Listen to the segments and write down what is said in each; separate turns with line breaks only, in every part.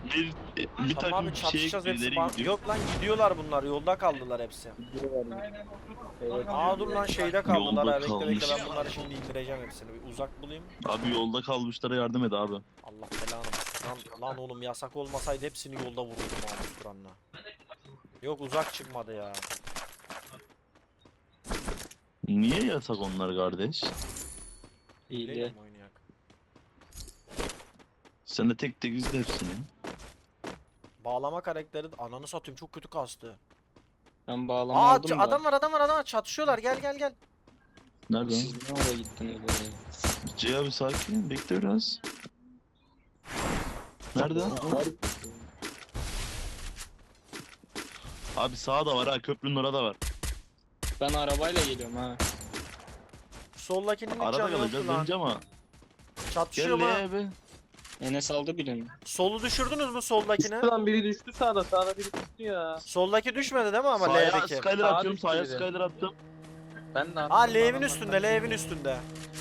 Bir, bir
Tamam abi,
takım şey
çatışacağız hepsi.
ileri gidiyor.
Yok lan, gidiyorlar bunlar. Yolda kaldılar hepsi.
Evet.
Aa dur lan, şeyde kaldılar.
Yolda
Ha, bekle bekle,
kalmış.
ben bunları şimdi indireceğim hepsini. Bir uzak bulayım.
Abi yolda kalmışlara yardım et abi.
Allah belanı versin. Lan oğlum, yasak olmasaydı hepsini yolda vururdum abi Kur'an'la. Yok, uzak çıkmadı ya.
Niye yasak onlar kardeş?
İyi.
Bileyim oynayak.
Sen de tek tek izle hepsini.
Bağlama karakteri, ananı satayım, çok kötü kastı.
Ben bağlama
Aa
aldım da.
adam var, adam var, adam var, çatışıyorlar, gel gel gel.
Nerede?
Siz ne oraya gittiniz böyle?
C abi sakin, bekle biraz. Nerede? Abi sağda var ha, köprünün orada var.
Ben arabayla geliyorum ha.
Soldakinin hiç
Arada
canı yoktu
kalacağız
lan.
önce ama.
Çatışıyor
Gel
mu?
abi.
Enes aldı birini.
Solu düşürdünüz mü soldakini?
Düştü lan, biri düştü sağda. Sağda biri düştü ya.
Soldaki düşmedi değil mi ama
Sağa
L'deki?
Skyler
Sağa
atıyorum,
düştü
sağa
biri.
Skyler attım.
Ben de
Aa L'evin üstünde, L'evin üstünde.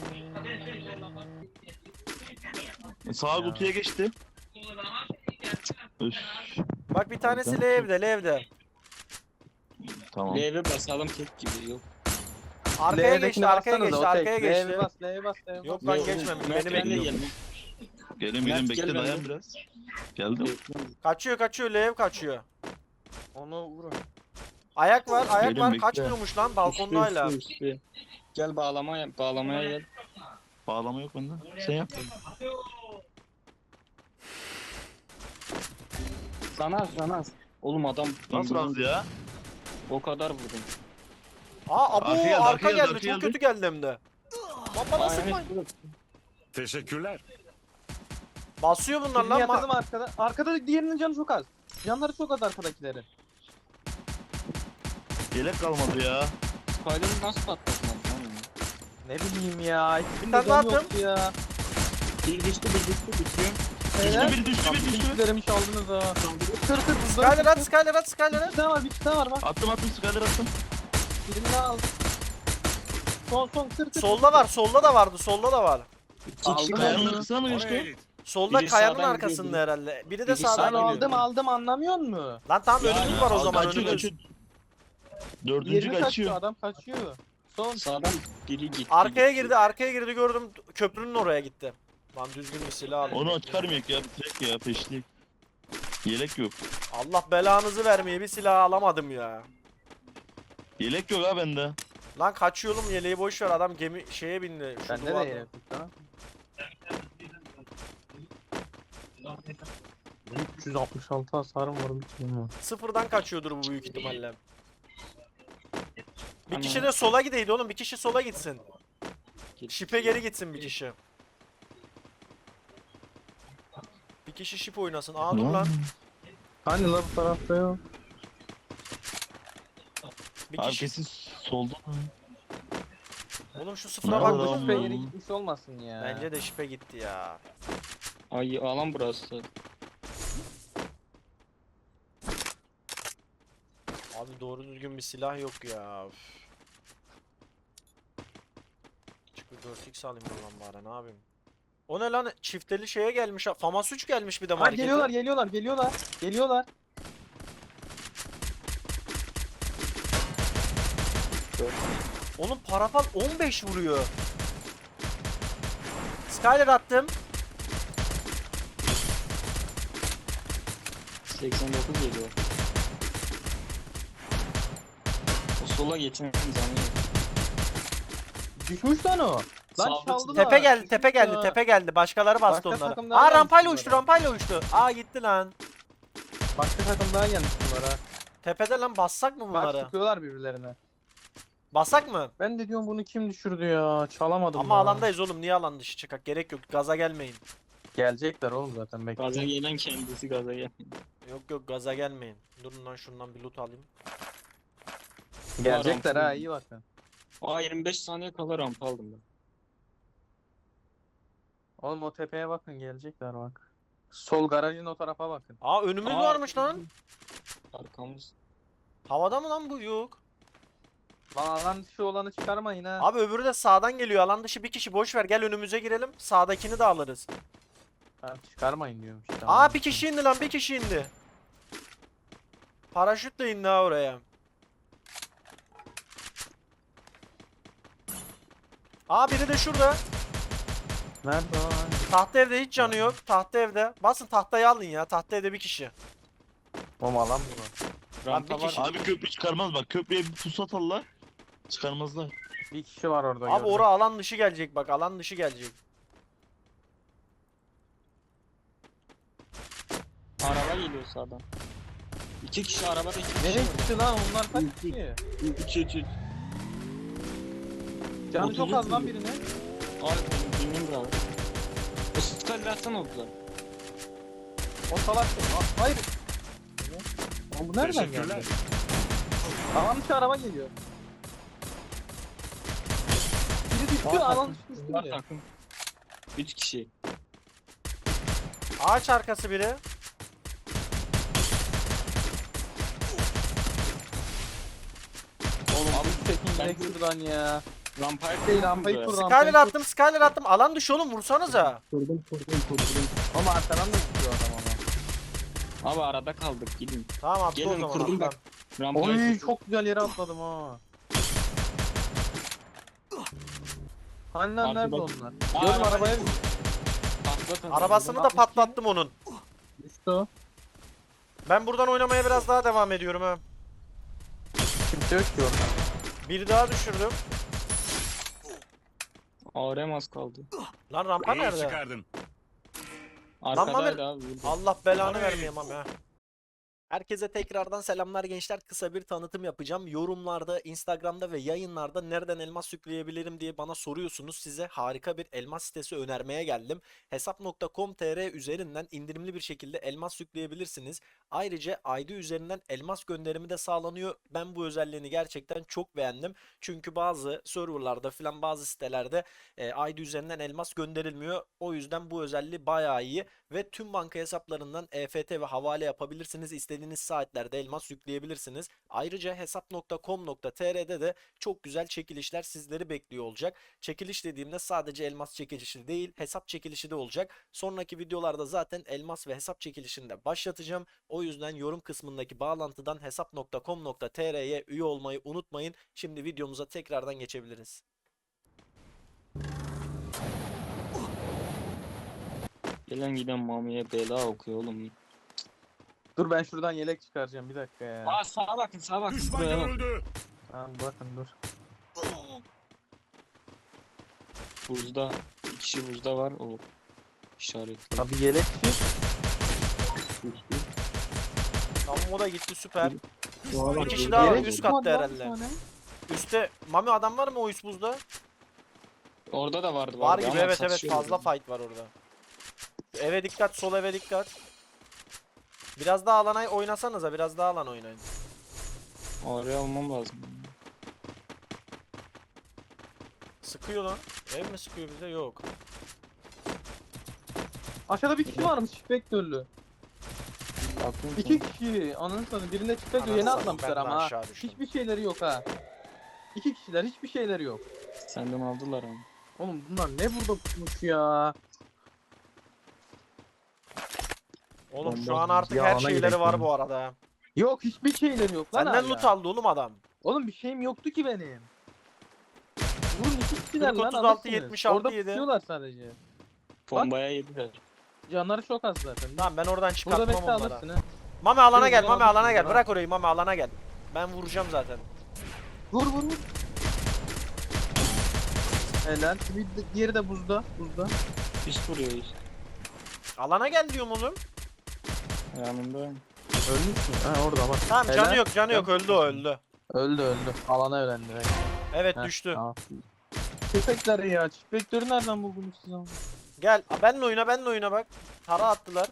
Sağa kutuya geçti. Üf,
Bak bir tanesi L'evde, L'evde.
tamam.
L'ye basalım tek gibi yok.
Arkaya geçti, arkaya geçti, arkaya geçti.
L'ye bas, L'ye bas, L'ye bas.
Yok lan,
Yok,
geçmemiş,
Mert
beni
ben de
bekliyor.
geldim.
Gelin
Mert,
gelin bekle,
gel
dayan
şey
benden.
biraz. Geldim.
Kaçıyor kaçıyor, L'ev kaçıyor.
Onu vurun.
Ayak var, ayak
Gelin
var,
bekle.
kaçmıyormuş lan balkonda hala.
Üstü. Gel bağlamaya gel.
Bağlama yok bende. Sen yap.
Sana. Oğlum adam
Nasıl az ya?
o kadar vurdum.
Aa abo,
Arka geldi,
arka
arka geldi,
geldi,
arka
çok
geldi.
kötü geldi hem de. Lan bana
Aa,
sıkmayın.
evet.
Teşekkürler.
Basıyor bunlar
Birini
lan.
yatırdım arkada. Arkada diğerinin canı çok az. Canları çok az arkadakilerin.
Yelek kalmadı ya.
Spider'ı nasıl patlatmadın lan onu?
Ne bileyim ya.
Bir tane daha attım.
Ya.
Bir düştü bitiyor.
Helal.
Düştü bir düştü
Lan
bir
bütün
düştü.
kişilerimi çaldınız ha. Kır kır buzları.
Skyler at, Skyler at, Skyler at.
Bir tane var, bir tane var bak.
Attım Skyler attım.
Birini daha aldım. Son kır.
Solda var, solda da vardı, solda da var.
İki kişi
Aldım
Kayanın
kaldı.
arkasına mı
Oraya
geçti?
git.
Solda
Biri
kayanın
sağdan
arkasında
gidiyor,
herhalde. Biri de
biri
sağdan
sağdan
gidiyor.
gidiyor.
Aldım anlamıyor musun?
Lan tamam,
Ya,
önümüz var o zaman,
Kaçıyor
önümüz.
kaçıyor. Dördüncü
Diğerini kaçıyor,
kaçıyor.
adam kaçıyor. Son.
Sağdan biri gitti.
Arkaya girdi gördüm, köprünün oraya gitti. Lan düzgün bir silah alın.
Onu çıkarmayak ya, bitirek ya, peşlik. Yelek yok.
Allah belanızı vermeye, bir silah alamadım ya.
Yelek yok ha bende.
Lan kaçıyor oğlum, yeleği boş ver, adam gemi şeye bindi. Şu
Bende de
duvarda.
yelek ha. 366 hasarım var bitmiyor.
Sıfırdan kaçıyordur bu büyük ihtimalle. Bir
Ama-
kişi de sola gideydi oğlum, bir kişi sola gitsin.
Git.
Şipe geri gitsin bir kişi. Bir kişi şip oynasın. Aa dur lan.
Hani la bu tarafta yok.
Bir
Abi
kişi.
kesin solda.
Oğlum şu sıfıra
Nerede
bak.
lan?
Bu
Tamam.
şüphe yeri gitmiş olmasın ya.
Bence de şipe gitti ya.
Ay alan burası.
Abi doğru düzgün bir silah yok ya. Üf. Çık bir 4x alayım lan bari, ne yapayım. O ne lan, çifteli şeye gelmiş ha. Famas 3 gelmiş bir de
Ha
markete.
geliyorlar.
Oğlum parafal 15 vuruyor. Skyler attım.
89 geliyor. O sola geçen zanı yok.
Düşmüş lan o. Lan
Sağda
çaldılar.
Tepe geldi,
Düşmüş
tepe geldi,
ya.
tepe geldi. Başkaları bastı
Başka
onlara.
takımlar
Aa
gelmiş
rampayla
bunlara.
uçtu, rampayla uçtu. Aa gitti lan.
Başka takım daha gelmiş bunlara.
Tepede lan, bassak mı
Bak
bunları?
sıkıyorlar birbirlerine.
Bassak mı?
Ben de diyorum bunu kim düşürdü ya? Çalamadım
Ama
ya.
alandayız oğlum, niye alan dışı çıkak? Gerek yok, gaza gelmeyin.
Gelecekler oğlum zaten bekle.
Gaza gelen kendisi gaza gelen.
Yok yok, gaza gelmeyin. Durun lan, şundan bir loot alayım.
Gelecekler ha,
Rampa.
iyi bakın.
Aa 25 saniye kala rampa aldım ben.
Oğlum o tepeye bakın, gelecekler bak. Sol garajın o tarafa bakın.
Aa önümüz
Aa,
varmış lan.
Arkamız.
Havada mı lan bu? Yok.
Lan alan dışı olanı çıkarmayın ha.
Abi öbürü de sağdan geliyor. Alan dışı bir kişi, boş ver. Gel önümüze girelim. Sağdakini de alırız.
Ben çıkarmayın diyorum işte.
Aa bir kişi indi lan, bir kişi indi. Paraşütle indi ha oraya. Aa biri de şurada.
Nerede o?
Tahta evde hiç canı yok. Tahta evde. Basın tahtayı alın ya. Tahta evde bir kişi.
Oğlum alan mı var?
Rampa
bir
var.
kişi-
Abi köprü çıkarmaz bak. Köprüye bir pusat alırlar. Çıkarmazlar.
Bir kişi var orada.
Abi
gördüm.
ora alan dışı gelecek bak. Alan dışı gelecek.
Araba geliyor sağdan. 2 kişi arabada 2 kişi.
Nereye gitti lan onlar kaç kişi?
3
Canı çok az lan birine.
Abi benim bravo. O sıkıntı atsana oldular.
O salak. Aa, hayır. Oğlum bu nereden
Teşekkürler.
geldi? Alan dışı araba geliyor. Biri düştü alan düşmüştü
Var
biri.
takım. 3 kişi.
Ağaç arkası biri.
Oğlum
Abi çekin
Ben-
direkt şuradan ya.
rampaya
Değil rampayı kur
Skyler
rampayı kur.
attım, Skyler attım. Alan dışı oğlum, vursanıza.
Kurdum.
Ama arkadan da gidiyor adam ama.
Abi arada kaldık gidin.
Tamam attı o
Gelin,
zaman.
kurdum
atlan.
bak. Rampaya
Oy
kurdum.
çok güzel yere atladım ha. Hani lan nerede
Arkada-
onlar?
Aa,
Gördüm
araba-
arabaya bir
Patlatın.
Arabasını da patlattım onun.
düştü o.
Ben buradan oynamaya biraz daha devam ediyorum ha.
Kimse yok ki orada.
Bir daha düşürdüm.
ARM az kaldı.
Lan rampa
İyi
nerede?
çıkardın.
Arkadaydı abi. burada.
Allah belanı vermeyeyim ama ya. Herkese tekrardan selamlar gençler. Kısa bir tanıtım yapacağım. Yorumlarda, Instagram'da ve yayınlarda nereden elmas yükleyebilirim diye bana soruyorsunuz. Size harika bir elmas sitesi önermeye geldim. Hesap.com.tr üzerinden indirimli bir şekilde elmas yükleyebilirsiniz. Ayrıca ID üzerinden elmas gönderimi de sağlanıyor. Ben bu özelliğini gerçekten çok beğendim. Çünkü bazı serverlarda filan, bazı sitelerde ID üzerinden elmas gönderilmiyor. O yüzden bu özelliği bayağı iyi ve tüm banka hesaplarından EFT ve havale yapabilirsiniz. İstediğiniz saatlerde elmas yükleyebilirsiniz. Ayrıca hesap.com.tr'de de çok güzel çekilişler sizleri bekliyor olacak. Çekiliş dediğimde sadece elmas çekilişi değil, hesap çekilişi de olacak. Sonraki videolarda zaten elmas ve hesap çekilişini de başlatacağım. O yüzden yorum kısmındaki bağlantıdan hesap.com.tr'ye üye olmayı unutmayın. Şimdi videomuza tekrardan geçebiliriz.
Gelen giden Mami'ye bela okuyor oğlum.
Dur ben şuradan yelek çıkaracağım bir dakika ya.
Aa sağa bakın sağa bakın.
Düşman
Buraya bak.
görüldü.
Tamam bakın dur.
Buzda. 2 kişi buzda var o işaretli.
Abi yelekçi.
Tamam, o da gitti, süper.
Doğru.
Bir kişi daha var,
Yelek
üst
çıkmadı
katta
lan bir
herhalde.
tane.
Üste Mami adam var mı o üst buzda?
Orada da vardı.
Var
vardı
gibi,
ama
evet evet,
satışıyor
fazla
orada.
fight var orada. Eve dikkat, sol eve dikkat. Biraz daha alana oynasanıza, biraz daha alan oynayın.
Oraya almam lazım.
Sıkıyor lan. Ev mi sıkıyor bize? Yok.
Aşağıda bir kişi varmış Spectre'lü.
Bakın.
İki kişi. Ananı satayım. Birinde Spectre
Ananı
yeni
satayım,
atlamışlar
ben de
ama ha.
aşağı düştüm.
Hiçbir şeyleri yok ha. İki kişiler hiçbir şeyleri yok.
Senden aldılar ama.
Oğlum bunlar ne burada tutmuş ya.
Oğlum şu
Bomba
an artık her
yağına
şeyleri
gerek
var
yok.
bu arada.
Yok hiçbir şeyleri yok lan
Senden
hala.
loot aldı oğlum adam.
Oğlum bir şeyim yoktu ki benim. Vurun iki kişiler
40,
lan
36,
alırsınız.
76
Orada
yedi.
tutuyorlar sadece.
Bombaya yediler.
Canları çok az zaten.
Tamam, ben oradan
Burada
çıkartmam
bekle
onlara.
alırsın ha.
Mami alana
Şöyle
gel,
buradan
Mami alana
alırsın
gel.
ha.
Bırak orayı, Mami alana gel. Ben vuracağım zaten.
Vur vur vur. Helal. Bir diğeri de buzda. Buzda.
Hiç vuruyor hiç.
Alana gel diyorum oğlum.
Yanında.
Ölmüş mü? Ha orada bak.
Tamam,
Helal.
canı yok, canı yok, öldü o, öldü.
Öldü öldü. Alana ölendi. direkt.
Evet,
Heh,
düştü.
tamam. Köpekler ya. Köpekleri nereden buldunuz siz ama?
Gel, benle oyna, benle oyna bak. Tara attılar.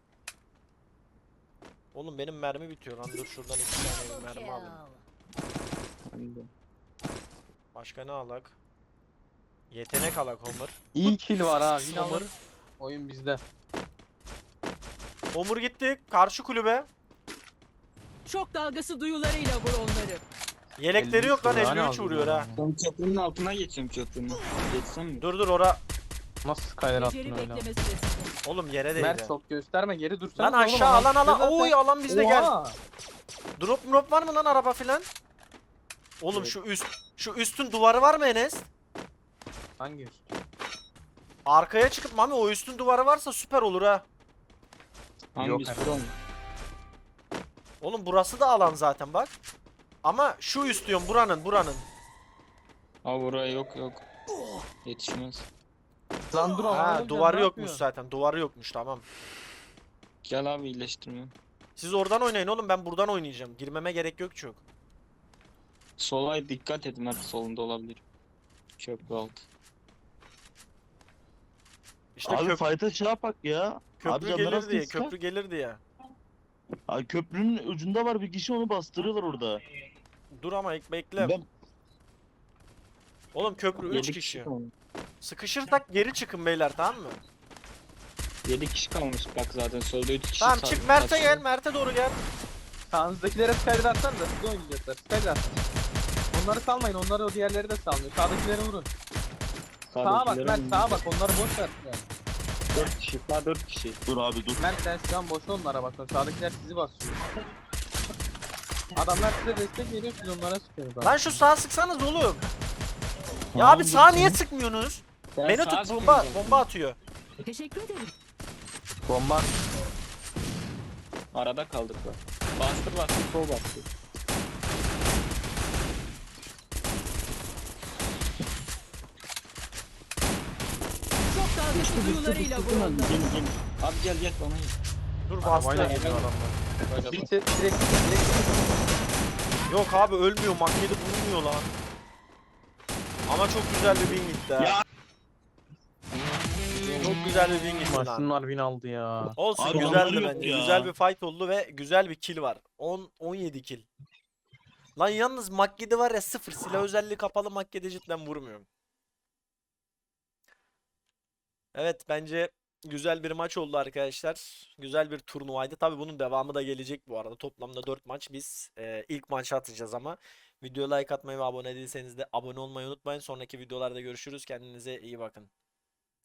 Oğlum benim mermi bitiyor lan, dur şuradan 2 tane bir mermi alayım.
Yanında.
Başka ne alak? Yetenek alak Homer.
İyi kill var ha. Yine
Homer.
alır. Oyun bizde.
Homer gitti, karşı kulübe.
Şok dalgası duyularıyla vur onları.
Yelekleri yok lan,
53
53 vuruyor ha.
Ben köprünün altına geçiyorum köprünün. Geçsem mi?
Dur dur ora.
Nasıl Skyler attın
Beceri
öyle?
bekleme süresinde.
Oğlum yere değdi.
Mert çok gösterme geri dursana.
Lan aşağı alan. Oy alan bizde gel.
Oha.
Drop var mı lan araba filan? Oğlum
Evet.
şu üstün duvarı var mı Enes?
Hangi üst?
Arkaya çıkıp Mami o üstün duvarı varsa süper olur ha.
Hangi
Yok,
üstü
evet.
oğlum?
Oğlum burası da alan zaten bak. Ama şu üst diyorum buranın.
Aa buraya yok. Yetişmez.
Lan dur ama.
Ha
oğlum,
duvarı
ne
yokmuş
yapıyorsun?
zaten. Duvarı yokmuş tamam.
Gel abi iyileştirme.
Siz oradan oynayın oğlum ben buradan oynayacağım. Girmeme gerek yok çok.
Sola dikkat et Mert, solunda olabilir. Köprü altı.
İşte
Abi fight'a şey yapak ya. Abi
köprü
canlar
gelir
az
diye,
değil, sıkar.
köprü gelir diye.
Abi köprünün ucunda var bir kişi, onu bastırıyorlar orada.
Dur ama bekle.
Ben
Oğlum köprü 3
7
kişi.
kalmış.
Sıkışırsak geri çıkın beyler tamam mı?
7 kişi kalmış bak zaten solda 3 kişi.
Tamam
sağ-
çık Mert'e
sağ-
gel, Mert'e doğru gel.
Sağınızdakilere Skyler atsan da siz oynayacaklar. Skyler atın. Onları salmayın. Onları o diğerleri de salmıyor. Sağdakileri vurun. Sağa bak
sağdakilerin
Mert sağa bak. Onları boş ver. Yani.
4 kişi. Sağ 4 kişi.
dur abi dur.
Mert sen şu an boş onlara bakın. Sağdakiler sizi basıyor. Adamlar size destek veriyor siz onlara sıkıyorsunuz.
Lan şu sağa sıksanız oğlum. Ya
Tamam,
abi
dur
sağa
sen.
niye sıkmıyorsunuz?
Ben
Beni
sağa
tut
sıkıyorum
bomba
zaten.
bomba atıyor.
Teşekkür ederim.
Bomba.
Arada kaldık bak. Bastır sol bastır.
Çok dalgası duyularıyla vur onları.
Gelin. Abi gel bana gel.
Dur
Arabayla
bastı.
geliyor adamlar.
Böyle bak.
Direkt.
Yok abi ölmüyor makyede bulunmuyor lan. Ama çok güzel bir win gitti ha.
Ya.
Çok güzel bir win gitti
Ulan
lan.
şunlar win aldı ya.
Olsun
Abi
güzeldi
yanları yok
bence.
ya.
Güzel bir fight oldu ve güzel bir kill var. 17 kill. Lan yalnız Makkede var ya 0 silah özelliği kapalı Makkede cidden vurmuyorum. Evet bence güzel bir maç oldu arkadaşlar. Güzel bir turnuvaydı. Tabii bunun devamı da gelecek bu arada. Toplamda 4 maç biz ilk maçı atacağız ama. Videoya like atmayı ve abone değilseniz de abone olmayı unutmayın. Sonraki videolarda görüşürüz. Kendinize iyi bakın.